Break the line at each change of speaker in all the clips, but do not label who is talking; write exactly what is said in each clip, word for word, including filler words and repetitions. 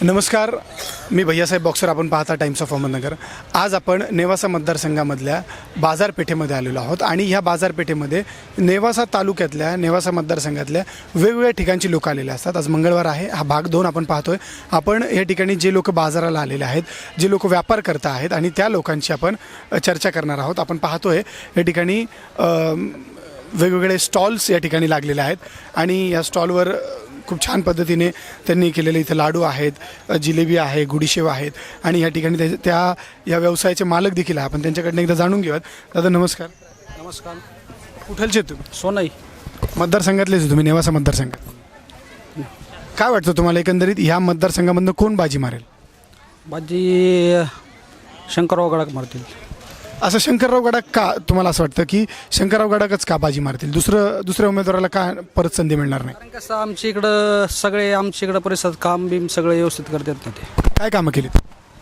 नमस्कार, मी भैयासाहेब बॉक्सर. आपण पाहता टाइम्स ऑफ अहमदनगर. आज आपण नेवासा मतदारसंघामधल्या बाजारपेठेमध्ये आलेलो आहोत आणि ह्या बाजारपेठेमध्ये नेवासा तालुक्यातल्या नेवासा मतदारसंघातल्या वेगवेगळ्या ठिकाणची लोक आलेले असतात. आज मंगळवार आहे. हा भाग दोन आपण पाहतोय. आपण या ठिकाणी जे लोक बाजाराला आलेले आहेत, जे लोक व्यापार करत आहेत आणि त्या लोकांची आपण चर्चा करणार आहोत. आपण पाहतोय या ठिकाणी वेगवेगळे स्टॉल्स या ठिकाणी लागलेले आहेत आणि या स्टॉलवर खूप छान पद्धतीने त्यांनी केलेले इथे लाडू आहेत, जिलेबी आहे, गुडीशेव आहेत आणि या ठिकाणी त्या त्या या व्यवसायाचे मालक देखील आहे. आपण त्यांच्याकडनं एकदा जाणून घेऊयात. दादा नमस्कार.
नमस्कार.
कुठलचे तुम्ही?
सोनाई
मतदारसंघातलेच तुम्ही, नेवासा मतदारसंघात. काय वाटतं तुम्हाला एकंदरीत ह्या मतदारसंघामधनं कोण बाजी मारेल?
बाजी शंकरराव गडाख मारतील.
असं शंकरराव गडाख का तुम्हाला असं वाटतं की शंकरराव गडाखच का बाजी मारतील? दुसरं दुसऱ्या उमेदवाराला का परत संधी मिळणार नाही?
कारण कसं आमच्या इकडं सगळे आमच्या इकडं परिसरात काम बीम सगळे व्यवस्थित करतात ना. ते
काय कामं केलीत?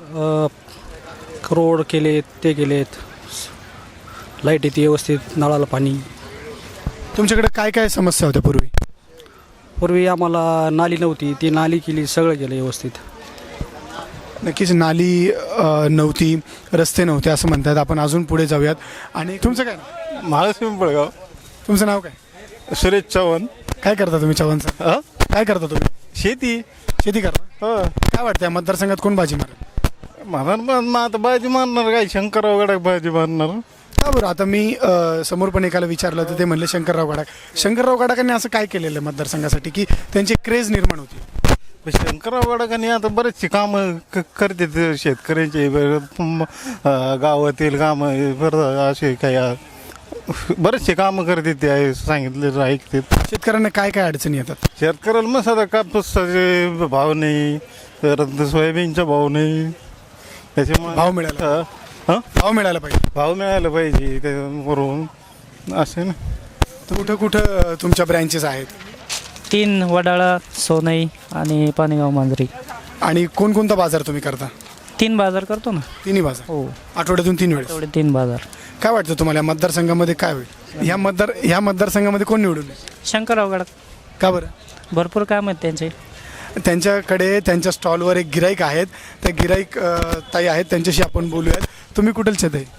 रोड केलेत, ते केलेत, लाईट येते व्यवस्थित, नळाला पाणी.
तुमच्याकडे काय काय समस्या होत्या पूर्वी?
पूर्वी आम्हाला नाली नव्हती, ती नाली केली, सगळं केलं व्यवस्थित.
नक्कीच नाली नव्हती, रस्ते नव्हते असं म्हणतात. आपण अजून पुढे जाऊयात. आणि तुमचं काय नाव?
महालक्ष्मी पिंपळगाव.
तुमचं नाव काय?
सुरेश चव्हाण.
काय करता तुम्ही चव्हाण सर?
हा?
काय करता तुम्ही?
शेती.
शेती करता.
हो.
काय वाटतं या मतदारसंघात कोण बाजी मारेल?
म्हणा मग आता बाजी मारणार काय? शंकरराव गडाख बाजी मारणार.
का बरं? आता मी अ, समोर पण एकाला विचारलं तर ते म्हणले शंकरराव गडाख. शंकरराव गडाखांनी असं काय केलेलं मतदारसंघासाठी की त्यांची क्रेज निर्माण होती?
शंकरराव गडाखांनी आता बरेचसे कामं क करतात शेतकऱ्यांचे, गावातील कामं, बरं असे काही बरेचसे कामं करतात. ते सांगितले ऐकतात.
शेतकऱ्यांना काय काय अडचणी येतात?
शेतकऱ्याला मग सध्या कापूसाचे भाव नाही, परत सोयाबीनचा भाव नाही. त्याच्यामुळे
भाव मिळाला
हां
भाव मिळायला पाहिजे.
भाव मिळायला पाहिजे त्यावरून असे ना.
कुठं कुठं तुमच्या ब्रँचेस आहेत?
तीन, वडाळा, सोनई आणि पाणीगाव मांजरी.
आणि कोणकोणता बाजार तुम्ही करता?
तीन बाजार करतो ना.
तिन्ही बाजार
हो,
आठवड्यातून तीन वेळेस?
तेवढे तीन बाजार.
काय वाटतं तुम्हाला या मतदारसंघामध्ये काय होईल? ह्या मतदार ह्या मतदारसंघामध्ये कोण निवडून येईल?
शंकरराव गडाख.
का बरं?
भरपूर काम आहेत त्यांचे.
त्यांच्याकडे त्यांच्या स्टॉलवर एक गिराईक आहेत. त्या गिराईक ताई आहेत, त्यांच्याशी आपण बोलूयात. तुम्ही कुठलचे ताई?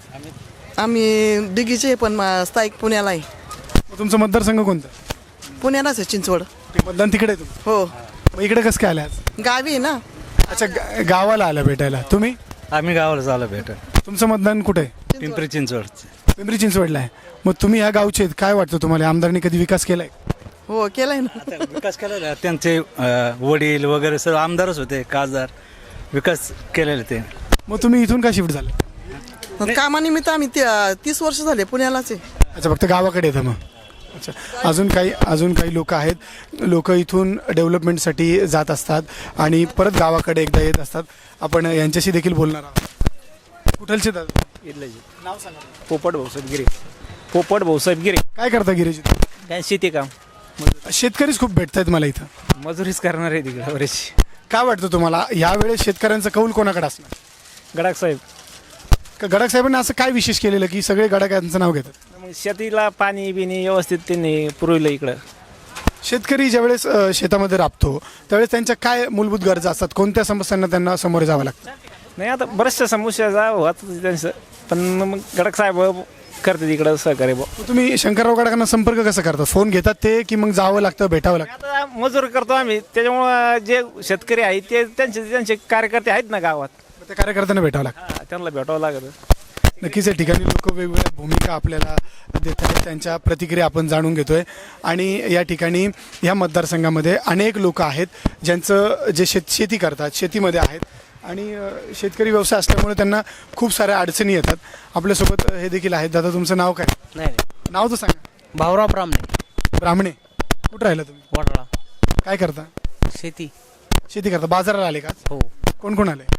आम्ही दिघीचे, पण मा- स्थायिक पुण्याला आहे.
मग तुमचं मतदारसंघ कोणतं?
पुण्यालाच आहे, चिंचवड.
ते मतदान तिकडे आहे तुमचं?
हो,
मग इकडे कसं काय आले आज?
गावी आहे ना.
अच्छा, गा- गावाला आलं भेटायला तुम्ही?
आम्ही गावाला झालं भेट
तुमचं मतदान कुठे आहे?
पिंपरी चिंचवड.
पिंपरी चिंचवडला आहे. मग तुम्ही ह्या गावचे आहेत. काय वाटतं तुम्हाला आमदारांनी कधी विकास केलाय?
हो, केलाय ना.
विकास केलेला त्यांचे अं, वडील वगैरे सर्व आमदारच होते, खासदार. विकास केलेले ते.
मग तुम्ही इथून का शिफ्ट झाले?
कामानिमित्त आम्ही त्या- तीस वर्ष झाले पुण्यालाच आहे.
अच्छा, फक्त गावाकडे येतं मग. अच्छा, अजून काही अजून काही लोक आहेत. लोक इथून डेव्हलपमेंटसाठी जात असतात आणि परत गावाकडे एकदा येत असतात. आपण यांच्याशी देखील बोलणार आहोत. कुठलचे दादा? नाव सांगा.
पोपट भाऊसाहेब गिरे. पोपट भाऊसाहेब गिरे.
काय करता गिरीजी?
काय शेती काम,
शेतकरीच खूप भेटत आहेत मला इथं.
मजुरीच करणार आहे तिकडे बरेचसे.
काय वाटतं तुम्हाला यावेळेस शेतकऱ्यांचा कौल कोणाकडे असणार?
गडाख साहेब.
का गडाख साहेबांनी असं काय विशेष केलेलं की सगळे गडाख यांचं नाव घेतात?
मग शेतीला पाणी बिनी व्यवस्थित त्यांनी पुरवलं इकडं.
शेतकरी ज्यावेळेस अ, शेतामध्ये राबतो त्यावेळेस त्यांच्या काय मूलभूत गरजा असतात? कोणत्या समस्यांना त्यांना सामोरे जावं लागतं?
नाही, आता बऱ्याचशा समस्या जा होत त्यांचं, पण मग गडाख साहेब करतात इकडं सहकार्य बुवा.
मग तुम्ही शंकरराव गडाखांना संपर्क कसा करता? फोन घेतात ते की मग जावं लागतं, भेटावं लागतं?
आता मजूर करतो आम्ही, त्याच्यामुळं जे शेतकरी आहेत ते त्यांचे त्यांचे कार्यकर्ते आहेत ना गावात,
मग त्या कार्यकर्त्यांना भेटावं लागतं.
हा, त्यांना भेटावं लागतं.
नक्कीच या ठिकाणी लोक वेगवेगळ्या भूमिका आपल्याला देत आहेत, त्यांच्या प्रतिक्रिया आपण जाणून घेतोय. आणि या ठिकाणी या मतदारसंघामध्ये अनेक लोक आहेत ज्यांचं जे शेत शेती करतात, शेतीमध्ये आहेत आणि अ, शेतकरी व्यवसाय असल्यामुळे त्यांना खूप साऱ्या अडचणी येतात. आपल्यासोबत हे देखील आहेत. दादा तुमचं नाव काय?
नाही,
नाव तर सांगा.
भाऊराव ब्राह्मणे.
ब्राह्मणे. कुठं राहिला तुम्ही?
वडाळा.
काय करता?
शेती.
शेती करता. बाजाराला आले का?
हो.
कोण कोण आले?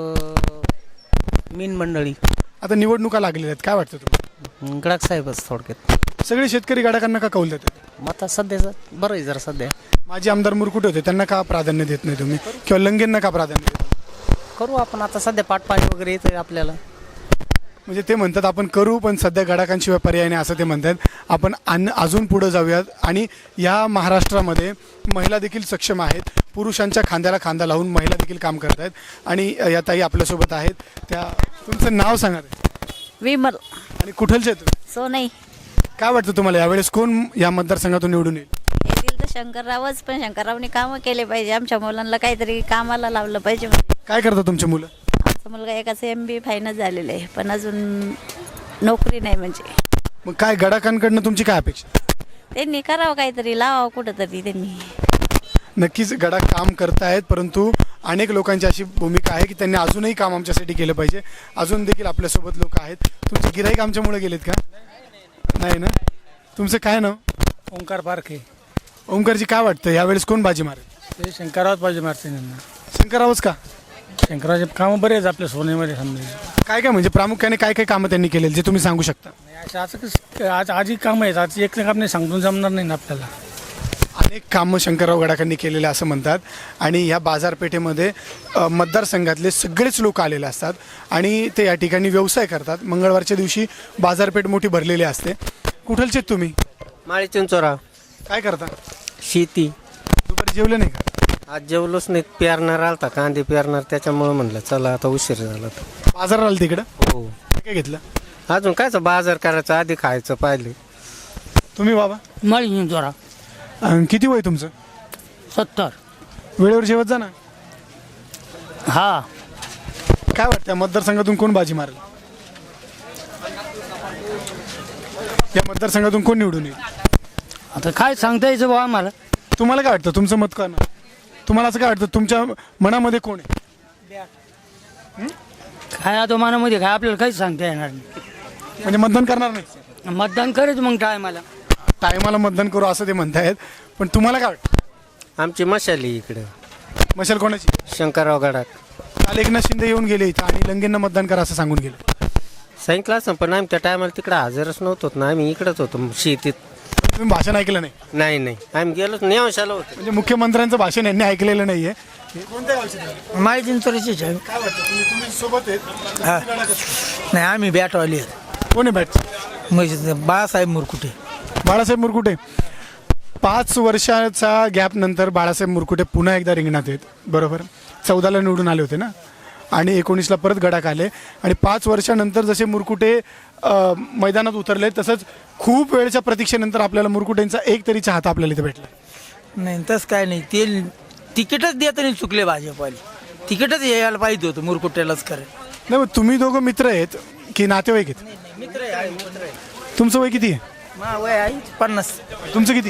मीन मंडळी.
आता निवडणुका लागलेल्या आहेत, काय वाटतं तुम्हाला?
गडाख साहेबच थोडक्यात.
सगळे शेतकरी गडाखांना का कौल देतात?
मग आता सध्याचं बरं आहे जरा सध्या.
माझे आमदार मुरकुटे होते, त्यांना का प्राधान्य देत नाही तुम्ही? किंवा लंगेंना का प्राधान्य देत?
करू आपण आता सध्या पाटपाणी वगैरे येतं आपल्याला.
म्हणजे ते म्हणतात आपण करू, पण सध्या गडाखांशिवाय पर्याय नाही असं ते म्हणतात. आपण अन अजून पुढे जाऊयात आणि या महाराष्ट्रामध्ये महिला देखील सक्षम आहेत. पुरुषांच्या खांद्याला खांदा लावून महिला देखील काम करत आहेत आणि अ, या ताई आपल्यासोबत आहेत. त्या तुमचं नाव सांगा ताई.
विमल
आणि कुठलचे आहेत तुम्ही?
सोनई
काय वाटतं तुम्हाला यावेळेस कोण या मतदारसंघातून निवडून येईल?
येथील तर शंकररावच, पण शंकररावनी कामं केले पाहिजे. आमच्या मुलांना काहीतरी कामाला लावलं पाहिजे. म्हणजे
काय करतात तुमची मुलं?
आमचा मुलगा एकाचं एम बी फायनल झालेलं आहे, पण अजून नोकरी नाही. म्हणजे
मग काय गडाखांकडनं तुमची काय अपेक्षा?
त्यांनी करावं काहीतरी, लावावं कुठंतरी त्यांनी.
नक्कीच गडा काम करतायत, परंतु अनेक लोकांची अशी भूमिका आहे की त्यांनी अजूनही काम आमच्यासाठी केलं पाहिजे. अजून देखील आपल्यासोबत लोक आहेत. तुमचे गिराईक आमच्यामुळे गेलेत का? नाही ना. तुमचं काय नाव?
ओंकार पारखे.
ओंकारजी, काय वाटतं यावेळेस कोण बाजी मारेल?
ते शंकररावच पाहिजे मारते त्यांना.
शंकररावच का?
शंकररावचे कामं बरे आहेत आपल्या सोनेमध्ये समजा.
काय काय म्हणजे प्रामुख्याने काय काय कामं त्यांनी केलेली जे तुम्ही सांगू शकता?
असं असं कसं आज आजही कामं आहेत. आज एक काम नाही सांगून जमणार नाही ना आपल्याला.
अनेक कामं शंकरराव गडाखांनी केलेले असं म्हणतात आणि ह्या बाजारपेठेमध्ये अ, मतदारसंघातले सगळेच लोक आलेले असतात आणि ते या ठिकाणी व्यवसाय करतात. मंगळवारच्या दिवशी बाजारपेठ मोठी भरलेली असते. कुठलचे आहेत तुम्ही?
माळी चिंचोरा.
काय करता?
शेती.
दुपारी जेवले नाही का?
आज जेवलोच नाही. पेरणार आलता, कांदे पेरणार, त्याच्यामुळे म्हणलं चला आता उशीर झाला.
बाजारात आलं तिकडं?
हो.
काय काय घेतलं?
अजून कायचं बाजार करायचं, आधी खायचं पाहिलं.
तुम्ही बाबा?
मळी जोरा
अं, किती वय तुमचं?
सत्तर.
वेळेवर जेवत जा ना.
हा.
काय वाटतं मतदारसंघातून कोण बाजी मारेल? या मतदारसंघातून कोण निवडून येईल?
आता काय सांगता यायचं बाबा आम्हाला.
तुम्हाला काय वाटतं? तुमचं मत काय? तुम्हाला असं काय वाटतं तुमच्या मनामध्ये कोण आहे?
काय आता मनामध्ये काय आपल्याला काहीच सांगता येणार नाही.
म्हणजे मतदान करणार नाही?
मतदान करायचं मग टायमाला.
टायमाला मतदान करू असं ते म्हणतायत, पण तुम्हाला काय वाटतं?
आमची मशाली इकडं
मशाल कोणाची?
शंकरराव गडात.
काल एकनाथ शिंदे येऊन गेले इथं आणि लंगेंना मतदान करा असं सांगून गेले.
सांगितलं असं, पण आम्ही त्या टायमाला तिकडं हजरच नव्हतो ना. आम्ही इकडंच होतो शेतीत.
तुम्ही भाषण ऐकलं नाही?
नाही नाही आम्ही गेलोच नेवशाला होतो.
म्हणजे मुख्यमंत्र्यांचं भाषण यांनी ऐकलेलं नाहीये. कोणत्या गावचे तुम्ही?
माळी चिंचोरीचीच आहे.
काय वाटतं तुम्ही तुम्ही सोबत आहेत?
नाही आम्ही बॅटवाली आहेत.
कोण आहे बॅट?
म्हणजे बाळासाहेब मुरकुटे.
बाळासाहेब मुरकुटे. पाच वर्षाचा गॅप नंतर बाळासाहेब मुरकुटे पुन्हा एकदा रिंगणात आहेत, बरोबर? चौदाला निवडून आले होते ना आणि एकोणीसला परत गडाक आले आणि पाच वर्षानंतर जसे मुरकुटे अ, मैदानात उतरले तसंच खूप वेळच्या प्रतीक्षेनंतर आपल्याला मुरकुटेंचा एक तरी चहाता आपल्याला इथे भेटला.
नाही तसं काय नाही. ते तिकीटच देत नाही चुकले भाजपवाले. तिकीटच यायला पाहिजे होतं मुरकुट्यालाच करायला.
नाही मग तुम्ही दोघं मित्र आहेत की नातेवाईक आहेत?
मित्र आहे मित्र आहे.
तुमचं वय किती आहे?
मा वय आहे पन्नास.
तुमचं किती?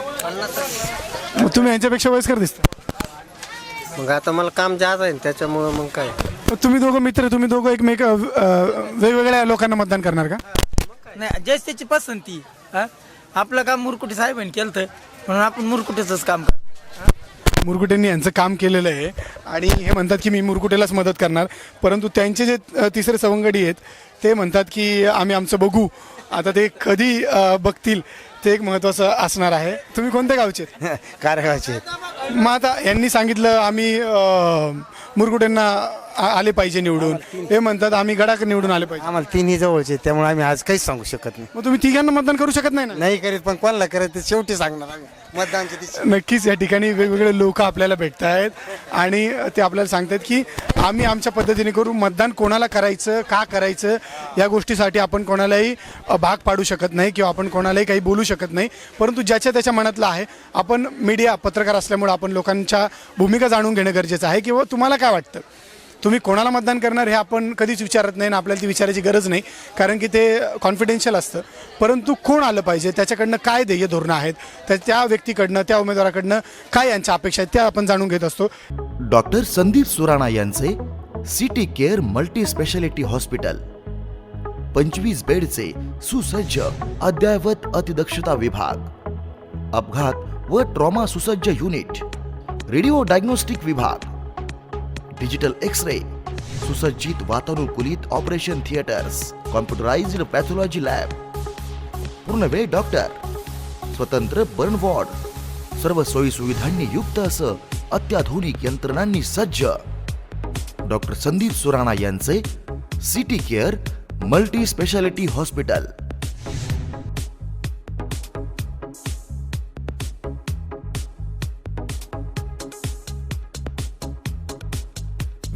मग तुम्ही यांच्यापेक्षा वयस्कर दिसता.
मग आता मला काम जास्त आहे ना, त्याच्यामुळं मग काय.
मग तुम्ही दोघं मित्र, तुम्ही दोघं एकमेक अ, वेगवेगळ्या लोकांना मतदान करणार का?
नाही जस त्याची पसंती. हा आपलं काम मुरकुटे साहेबांनी केलं तर म्हणून आपण मुरकुटेच काम कर.
मुरकुटेंनी यांचं काम केलेलं आहे आणि हे म्हणतात की मी मुरकुटेलाच मदत करणार, परंतु त्यांचे जे अ, तिसरे सवंगडी आहेत ते म्हणतात की आम्ही आमचं बघू. आता ते कधी अ, बघतील ते एक महत्त्वाचं असणार आहे. तुम्ही कोणत्या गावचे?
कारगावचे.
मग आता यांनी सांगितलं आम्ही अ, मुरकुटेंना आ- आले पाहिजे निवडून, हे म्हणतात आम्ही गडाक निवडून आले पाहिजे.
आम्हाला तिन्ही जवळचे, त्यामुळे आम्ही आज काहीच सांगू शकत नाही.
मग तुम्ही तिघांना मतदान करू शकत नाही ना?
नाही करीत, पण कोणाला करत ते शेवटी सांगणार आम्ही मतदानच्या दिवशी.
नक्कीच या ठिकाणी वेगवेगळे लोक आपल्याला भेटत आहेत आणि ते आपल्याला सांगतात की आम्ही आमच्या पद्धतीने करू. मतदान कोणाला करायचं, का करायचं या गोष्टीसाठी आपण कोणालाही अ, भाग पाडू शकत नाही किंवा आपण कोणालाही काही बोलू शकत नाही, परंतु ज्याच्या त्याच्या मनातलं आहे. आपण मीडिया पत्रकार असल्यामुळे आपण लोकांच्या भूमिका जाणून घेणं गरजेचं आहे. किंवा तुम्हाला काय वाटतं, तुम्ही कोणाला मतदान करणार हे आपण कधीच विचारत नाही ना आपल्याला ती विचारायची गरज नाही, कारण की ते कॉन्फिडेन्शियल असतं. परंतु कोण आलं पाहिजे, त्याच्याकडनं काय ध्येय धोरणं आहेत, त्या त्या व्यक्तीकडनं, त्या उमेदवाराकडनं काय यांच्या अपेक्षा आहेत त्या आपण जाणून घेत असतो.
डॉक्टर संदीप सुराणा यांचे city care multi speciality hospital, पंचवीस बेडचे सुसज्ज अद्ययावत अतिदक्षता विभाग, अपघात व ट्रॉमा सुसज्ज युनिट, रेडिओ डायग्नोस्टिक विभाग, डिजिटल एक्स-रे, सुसज्जित वातानुकूलित operation theatres, computerised pathology lab, पूर्णवेळ डॉक्टर, स्वतंत्र बर्न वॉर्ड, सर्व सोयी सुविधांनी युक्त असं अत्याधुनिक यंत्रणांनी सज्ज डॉक्टर संदीप सुराणा यांचे city care multi speciality hospital.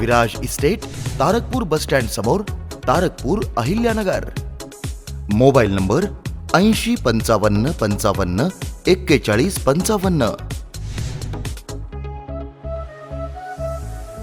Viraj estate, Tarakpur bus stand समोर, तारकपूर, अहिल्यानगर. मोबाईल नंबर ऐंशी पंचावन्न पंचावन्न एक्केचाळीस पंचावन्न.